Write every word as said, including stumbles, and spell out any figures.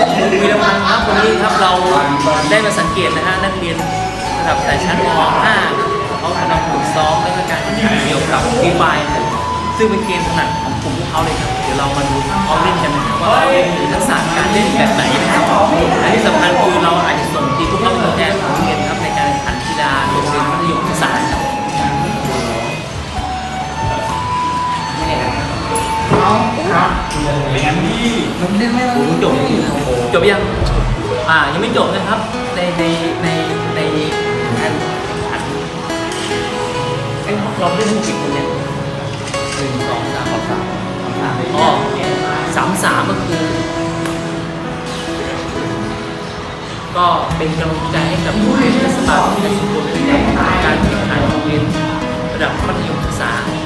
ผมวีรพันธ์ครับวันนี้ครับเราได้มาสังเกตนะฮะนักเรียนระดับสายชั้นม .ห้า เขากำลังฝึกซ้อมและการแข่งขันเกี่ยวกับฟรีไฟร์ซึ่งเป็นเกมถนัดของกลุ่มพวกเขาเลยครับเดี๋ยวเรามาดูเขาเล่นกันนะครับว่าเขามีทักษะการเล่นแบบไหนนะครับและที่สำคัญคือเราอาจจะส่งทีมพวกเขาเป็นตัวแทนของโรงเรียนครับในการแข่งขันกีฬาโรงเรียนมัธยมศึกษาครับครับเป็นงั้นพี่มันเล่นไม่ได้จบจบยังอ่ายังไม่จบนะครับในในในในการขันไอ้เราเล่นทั้งกี่คนเนี่ยหนึ่งสองสามสามสามอ๋อสามสามก็คือ ก็เป็นกำลังใจให้กับโรงเรียนเทศบาลในชุมชนในการแข่งขันโรงเรียนระดับมัธยมศึกษา